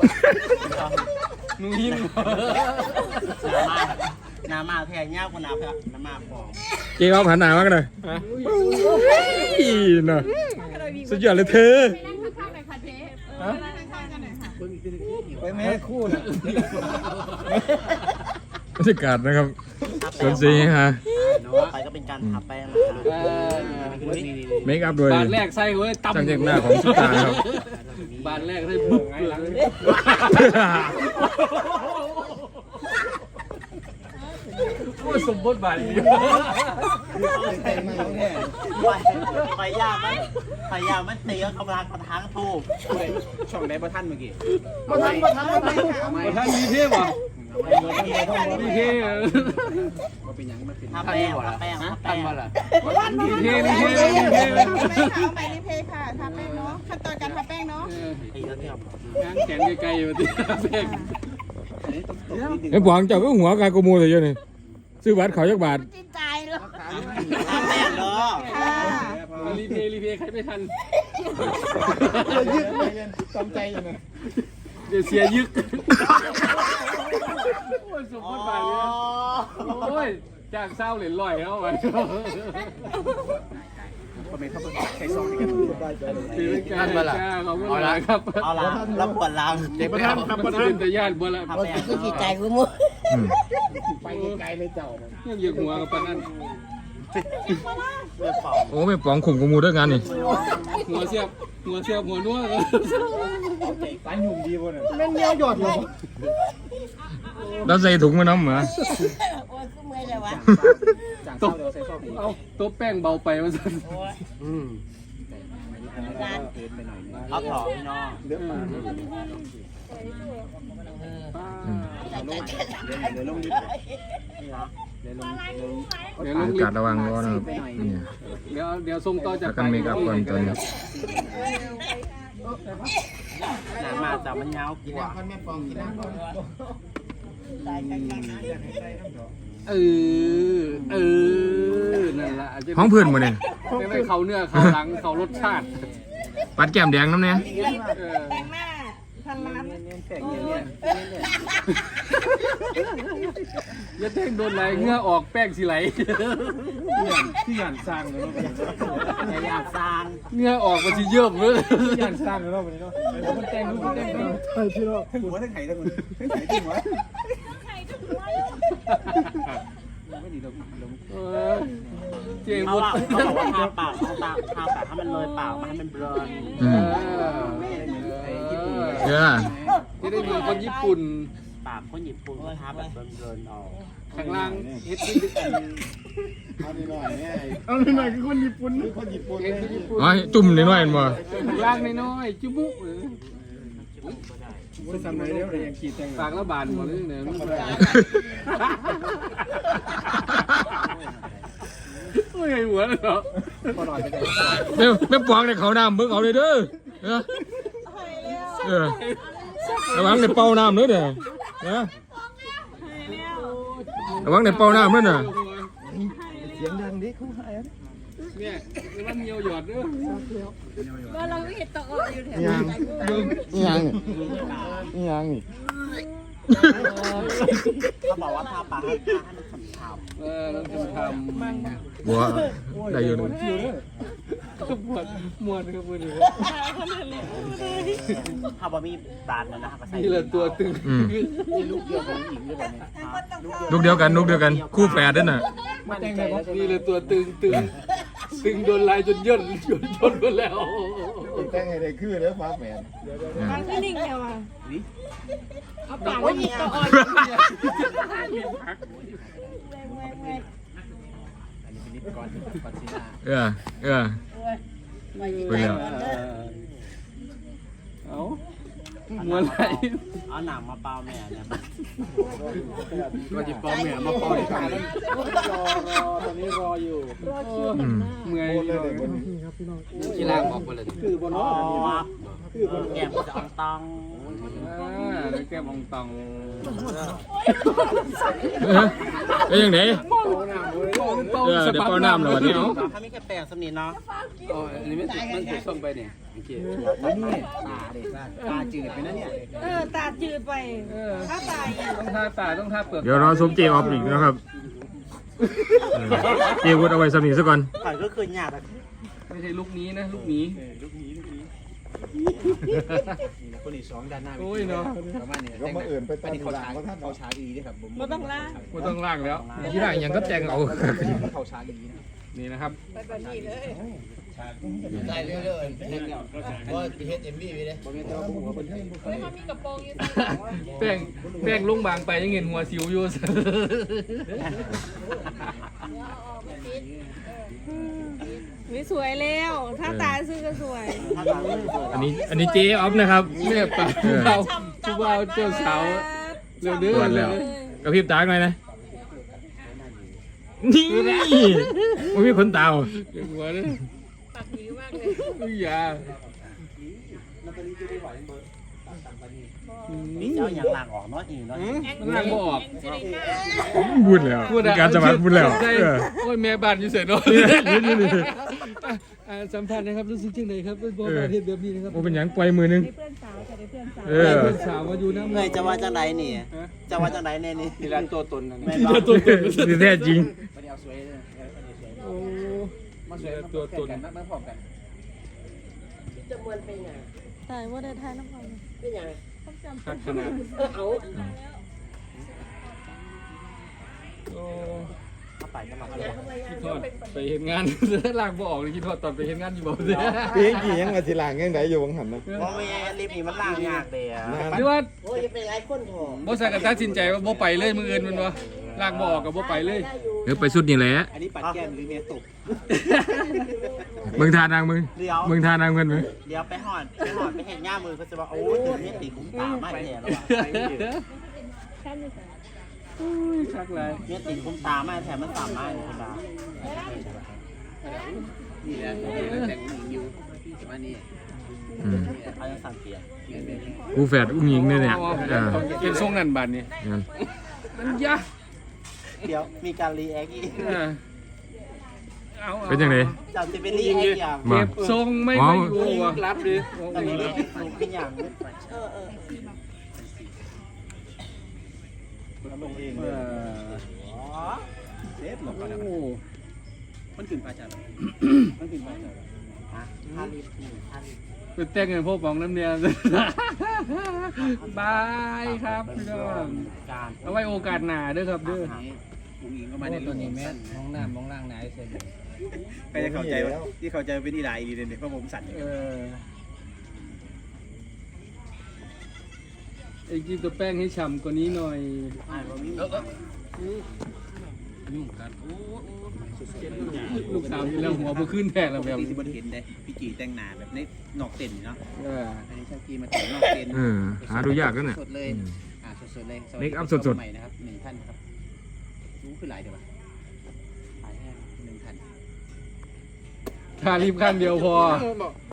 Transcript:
นูหินน้ำมาแทงเงี้ยคนน้ำมาฟองเจ๊เอาผ่านหนามากเลยน่ะสุดยอดเลยเธอไปนั่งข้างๆหน่อยค่ะเจ๊นั่งข้างๆกันหน่อยค่ะไปแม่คู่นะบรรยากาศนะครับสวนสีฮะไปก็เป็นการทาแป้งเมคอัพโดยบาทแรกใส่เว้ยตั้มช่างแต่งหน้าของสุตาครับบาทแรกให้บุกหลังโอ้สมบูรณ์บาทนี้ไฟยามันตีก็กำลังกระทั้งทูบช่องไหนประทันเมื่อกี้ประธานมีเทพอ่ะมีเทพทาแป้งมาล่ะมีเทพเอาไปรีเพย์ค่ะทาแป้งเนาะขั้นตอนการทาแป้งเนาะตีแล้วที่เรางานแขนไกลๆอยู่ที่แป้งไอ้บวงเจ้าก็หัวกายโกมูเลยเยอะนี่ซื้อบัตรเขายักบาทจิตใจเลยทาแป้งเนาะค่ะรีเพย์ใครไม่ทันจำใจยังไงเดี๋ยวเสียยึกโอ้ยสมบูรณ์บาทเลยโอ้ยจากเศร้าเหรียญลอยเข้าไปคือการเขาก็เลยครับเอาละแล้วปวดหลังเด็กประธานครับประธานเป็นญาติบัวละทาแป้งจิตใจกูมั้งไปไกลเลยเจ้ายังเหยียบหัวกับปนั่นเลือดเป่าโอ้ไม่ปองข่มโกมูด้วยงานนี่หัวเสียบหัวนัวปานยุ่มดีบ่เนี่ยเล่นเนี้ยหยอดเลยแล้วใส่ถุงมาน้ำเหรอโอ้ยกูเมื่อยเลยวะตบเอาตัวแป้งเบาไปมาสั่นเอาถอดพี่น้องเลือดมาเดี๋ยวบรรยากาศระวังร้อนนะครับนี่เดี๋ยวส่งต่อจากแล้วกันเมคอัพก่อนตอนนี้น้ำมาแต่มันยาวกว่าเออนั่นแหละห้องเพื่อนมาเนี่ยไม่เขาเนื้อเขาหลังเขารสชาติปัดแก้มแดงน้ำเนี่ยแต่งหน้าพันล้านอย่าเต้งโดนไหลเงื่อออกแป้งสิไหลที่ยันสร้างเลยอยากสร้างเงื่อออกมาสิเยิ่มเลยที่ยันสร้างเลยวันนี้เนาะมันแต่งรูปแต่งใช่พี่น้องหัวทั้งไข่ทั้งไข่ทั้งหัวเจ๋งเขาหมดบอกว่าทาปากให้มันเลยปากมาให้มันเบลออืมเยอะที่ได้เมืองคนญี่ปุ่นปากคนญี่ปุ่นทาแบบเบลอออกข้างล่างเฮ็ดที่เอาหน่อยคือคนญี่ปุ่นเฮ็ดที่ญี่ปุ่นอ๋อจุ่มนิดหน่อยมั้งข้างล่างน้อยๆจุบุปากละบานหมดเลยเนี่ยโอ้ยหัวเลยเหรอไม่ปองในเขาน้ำเบิ่งเอาเลยเด้อระวังในเป่าน้ำเด้อเด้อระวังในเป่าน้ำเด้อน่ะเสียงดังดิเขาหายเนี่ยมันเหี่ยวหยอดเด้อว่าเราไม่เห็นตกอยู่แถวยังนี่เขาบอกว่าทาปากให้มันขาวเราจะทำบัวได้อยู่นึงก็ปวดมวนครับมือนี้ถ้าบ่มีตาลนะเขาใส่นี่แหละตัวตึงลูกเดียวของหญิงด้วยเนี่ยลูกเดียวกันคู่แฝดด้วยน่ะนี่เลยตัวตึงโดนลายจนย่นไปแล้วแต่งให้ได้คือแล้วฟ้าแฝดมันคือนิ่งเดียวอ่ะเอาปากไว้หยิบตัวอ่อนเออไปแล้วเอามวนไหลเอาหนังมาเปล่าแม่เนี่ยก็จิปอมเนี่ยมาปล่อยกันรอตอนนี้รออยู่เมื่อยกีฬาบอกไปเลยคือบนอ๋อแก้มจะอ่องตองแล้วแกก้มองตองเอ้ยยังไงเเดี๋ยวเป้าน้ำเหรอวันนี้เนาะถ้ามีแค่แปลงสำนีเนาะอ๋ออันนี้มันถูกส่งไปเนี่ยโอเคนี่ตาจืดไปนะเนี่ยตาจืดไปถ้าตายต้องท่าตาต้องท่าเปลือกเดี๋ยวรอสมเจออฟอีกนะครับเจวุฒเอาไว้สำนีซะก่อนข่อยก็คือหยาบแบบไม่ใช่ลูกนี้นะลูกนี้คนอีก2ด้านหน้าโอ้ยเนาะประมาณนี้ก็มาเอื่นไปตอนหลังก็ท่านเขาช้าดีด้วยครับผมไม่ต้องล่าไม่ต้องลากแล้วที่ไหนยังก็แจงเอาเขาช้าดีนะนี่นะครับไปแบบนี้เลยได้เรื่อยๆก็เฮ็ดMVไปเลยบ่แม่นแต่ว่าผมว่าเพิ่นเฮ้ยเขามีกระโปรงอยู่แป้งลุงบางไปยังเห็นหัวสิวอยู่ไม่สวยแล้วถ้าตาซื้อก็สวยอันนี้เจออฟนะครับแม่ป่าเราชูบ่าวเจ้าสาวเร็วเด้อตรวจแล้ว กระพริบตาหน่อยนะนี่มันมีขนตาเดี๋ยวหัวเด้อปากดีมากเลยอุ้ยอย่ามีเจ้าอย่างหลังออกเนาะอีเนาะมันลากบ่ออกบุญแล้วมีการสมัครบุญแล้วใช่โอ้ยแม่บ้านอยู่เสร็จเนาะสัมภาษณ์นะครับรู้สึกจังไดครับเป็นบ่ประเทศแบบนี้นะครับโอ้เป็นหยังปล่อยมือนึงได้เพื่อนสาวจะได้เพื่อนสาวเออเพื่อนสาวมาอยู่น้ำเอ้ยจะว่าจังไดนี่จะว่าจังไดแน่นี่ทีละตัวตนนั่นแม่ทีนบ่ละตัวตนที่แท้จริงบ่ได้เอาสวยเลยโอ้มาทีละตัวตนมาพร้อมกันตายว่าได้ทายน้ำมันคักขนาดโอ้เข้าไปจะมาคิดทอดไปเห็นงาน ลากบ่ออกเลยคิดทอดตอนไปเห็นงานอยู่บ่เสียปีกี่ยังมาทีหลังยังไหนอยู่วังหันนะบ่แม่ลิฟต์นี่มันล่างยากเด้อหรือว่าโอ้ยเป็นหลายคนพอบ่ใส่กันตัดสินใจว่าบ่ไปเลยมื้ออื่นมันบ่ลากบ่ออกกับบ่ไปเลยเดี๋ยวไปสุดนี่แหละอันนี้ปัดแก้มหรือเมียตกมึงทานางมึงเดี๋ยวมึงทานางกันไหมเดี๋ยวไปหอดไปเห็นหน้ามือเขาจะบอกโอ้ยถึงเมียติคุ้มตาไม่แท้แล้วว่ะอุ้ยคักหลายเมียติคุ้มตาไม่แท้มันตามไม่ธรรมดานี่แหละแต่งหญิงอยู่แต่ว่านี่อืมเขายังสั่งเปลี่ยนกูแฝดอุ้งยิงเนี่ยเนี่ยอ่าเป็นทรงนั่นบัดนี้งั้นมันยะเดี๋ยวมีการรีแอคอีกเอาเป็นยังไงจับจะเป็นรีแอคอย่างมาเก็บทรงไม่ค่อยอยู่ว่ะรับดิตอนนี้หนูเป็นอย่าง เซฟหลบก่อนนะโอ้มันขึ้นปลาจัดมันขึ้นปลาจัดท่ารีบท่ารีบเป็นแต่งเงินพวกบองน้ำเนียนบายครับพี่น้องการเอาไว้โอกาสหน้าเด้อครับเด้อผู้หญิงก็มาในตัวนี้แม่มองหน้ามองล่างไหนเสร็จใครจะเข้าใจว่าที่เข้าใจเป็นอีหลายอีเด่นเพราะผมสั่นไอ้กินตัวแป้งให้ฉ่ำกว่านี้หน่อยยุ่งกันโอ้ลูกสาวนี่แล้วหัวบ่ขึ้นแทกแล้วแบบพี่สิบเห็นเลยพี่จีแต่งหน้าแบบในนอกเต็นเนาะ อันนี้ชากีมาแต่งนอกเต็นหาดูยากกันน่ะสดเลยสดเลยเมคอัพสดๆใหม่นะครับ1 ท่านครับรู้คือหลายเดี๋ยวหลายแค่1 ท่านทารีบข้างเดียวพอ